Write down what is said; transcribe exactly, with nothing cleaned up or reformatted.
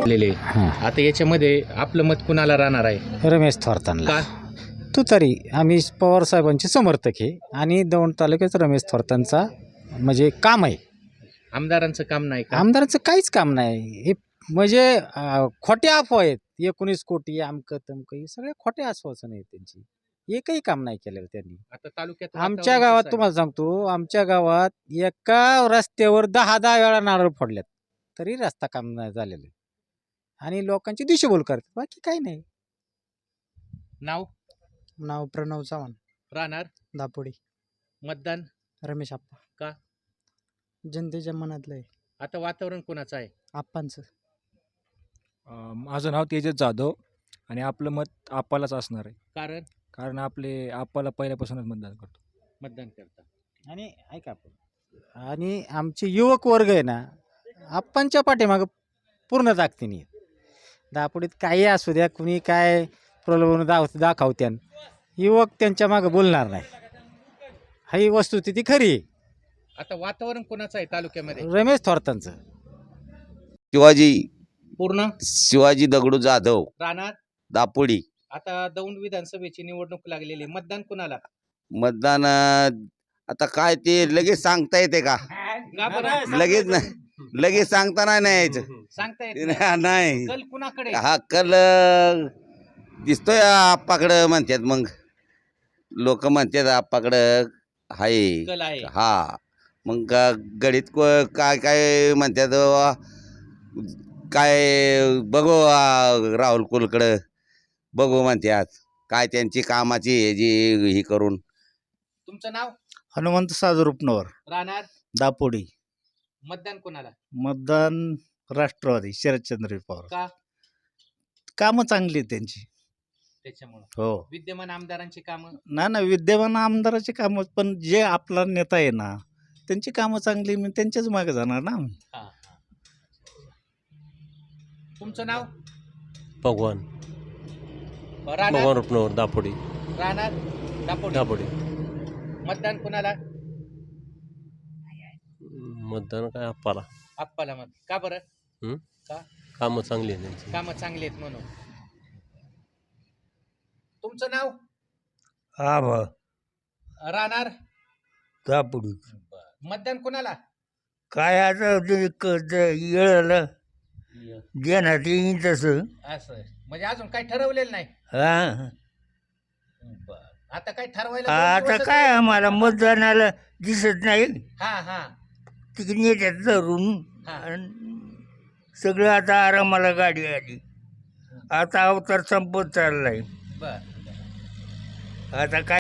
झालेले. हां. आता याच्यामध्ये आपलं मत कुणाला राहणार आहे? रमेश थोरतांना. का? तू तरी आम्ही पवार साहेबांचे समर्थक आहे आणि दौंड तालुक्यात रमेश थोरतांचा म्हणजे काम आहे. आमदारांचं काम नाही का? आमदाराचं काहीच काम नाही. हे म्हणजे अं, खोट्या अफवा आहेत. एकोणीस कोटी अमकं तमकं हे सगळ्या खोट्या आश्वासनं आहेत त्यांची. एकही काम नाही केलेलं त्यांनी. आता तालुक्यात आमच्या वातावरण गावात कसं आहे? तुम्हाला सांगतो, आमच्या गावात एका रस्त्यावर दहा दहा वेळा नारळ फोडल्यात तरी रस्ता काम नाही झालेलं आहे. आणि लोकांची दिशाभूल करतात, बाकी काही नाही. नाव नाव प्रणव चव्हाण, राहणार दापोडी. मतदान. रमेश आप्पा. का? जनतेच्या मनातलं आहे. आता वातावरण कोणाचं आहे? आप्पांचं. अ, माझं नाव तेजस जाधव आणि आपलं मत आप्पालाच असणार आहे. कारण कारण आपले आप्पाला पहिल्यापासूनच मतदान करतो. मतदान करता. आणि ऐका आपण आणि आमचे युवक वर्ग आहे ना, आप्पांच्या पाठीमागं पूर्ण ताकदीने आहेत. दापोडीत काही असू द्या, कुणी काय प्रलोभन दाव दाखवत्यान, युवक त्यांच्या मागं बोलणार नाही. ही वस्तुस्थिती खरी आहे. आता वातावरण कोणाचं आहे तालुक्यामध्ये? रमेश थोरतांचं. शिवाजी पूर्ण शिवाजी दगडू जाधव, राहणार. दापोडी. आता दौंड विधानसभेची निवडणूक लागलेली आहे. मतदान कुणाला? मतदान अं, आता काय ते लगेच सांगता येते का? का बरं? लगेच नाही, लगेच सांगता नाही ना यायचं. सांगता येत नाही. नाही, कल कुणाकडे? हा कल अं, दिसतोय आप्पाकडं म्हणतात. मग लोक म्हणतात आप्पाकडं हाय. कल आहे. हा मग ग- गणित को- काय काय म्हणतात वा, काय बघू आ, राहुल कुलकडं बघू म्हणतात. काय त्यांची कामाची हे जी ही करून. तुमचं नाव? हनुमंत साजरूपनवर, राहणार. दापोडी. मतदान कोणाला? मतदान राष्ट्रवादी, शरदचंद्र पवार. का? कामं चांगली आहेत त्यांची. त्याच्यामुळं हो विद्यमान आमदारांची कामं. ना ना विद्यमान आमदाराची कामं, पण जे आपला नेता आहे ना त्यांची कामं चांगली, मी त्यांच्याच मागे जाणार ना. हा, हा. तुमचं नाव? भगवान राहणार. भगवान रुपनवर दापोडी राहणार. दापोडी. दापोडी. मतदान कुणाला? मतदान काय आप्पाला. आप्पाला मत. का बरं? हं? का? कामं चांगली आहे त्यांची. कामं चांगली आहेत म्हणून. तुमचं नाव? हा बा राहणार. दापोडी. मतदान कुणाला? काय आता ते क- ते येळाला देण्यात येईन तसं. असं म्हणजे अजून काही ठरवलेलं नाही. हा आता काय ठरवायला दोन आता दिवसच काय राहिले. आम्हाला मतदानाला दिसत नाही. हा हा तिकडे येतात धरून हा. आणि सगळं आता आरामाला गाडी आली. आता अवतार संपत चाललाय. बर आता काय